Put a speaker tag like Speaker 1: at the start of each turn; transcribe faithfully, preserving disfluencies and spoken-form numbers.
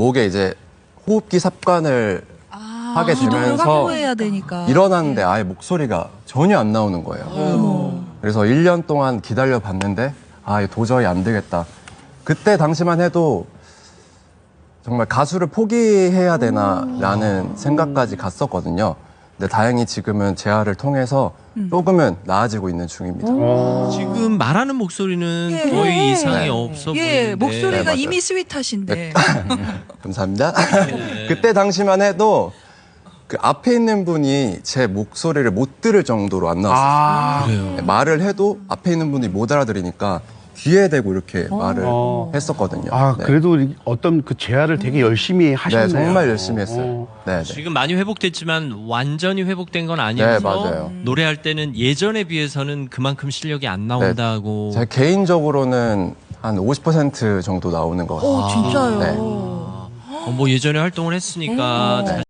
Speaker 1: 목에 이제 호흡기 삽관을
Speaker 2: 아,
Speaker 1: 하게
Speaker 2: 기도를
Speaker 1: 되면서
Speaker 2: 확보해야 되니까.
Speaker 1: 일어났는데 아예 목소리가 전혀 안 나오는 거예요.
Speaker 2: 어머.
Speaker 1: 그래서 일 년 동안 기다려 봤는데 아, 이거 도저히 안 되겠다. 그때 당시만 해도 정말 가수를 포기해야 되나라는 생각까지 갔었거든요. 근데 다행히 지금은 재활을 통해서 조금은 나아지고 있는 중입니다.
Speaker 3: 지금 말하는 목소리는
Speaker 2: 예.
Speaker 3: 거의 이상이 없어
Speaker 2: 예,
Speaker 3: 보이는데.
Speaker 2: 목소리가
Speaker 1: 네, 맞아요.
Speaker 2: 이미 스윗하신데.
Speaker 1: 감사합니다. 그때 당시만 해도 그 앞에 있는 분이 제 목소리를 못 들을 정도로 안 나왔어요.
Speaker 4: 아,
Speaker 3: 그래요.
Speaker 1: 네, 말을 해도 앞에 있는 분이 못 알아들으니까 귀에 대고 이렇게 말을 했었거든요.
Speaker 4: 아
Speaker 1: 네.
Speaker 4: 그래도 어떤 그 재활을 되게 열심히 하셨네요.
Speaker 1: 네, 정말 열심히 했어요. 네, 네.
Speaker 3: 지금 많이 회복됐지만 완전히 회복된 건 아니어서
Speaker 1: 네, 맞아요.
Speaker 3: 노래할 때는 예전에 비해서는 그만큼 실력이 안 나온다고.
Speaker 1: 제 개인적으로는 한 오십 퍼센트 정도 나오는 것 같아요.
Speaker 2: 오, 진짜요.
Speaker 1: 네.
Speaker 3: 어, 뭐 예전에 활동을 했으니까
Speaker 1: 네.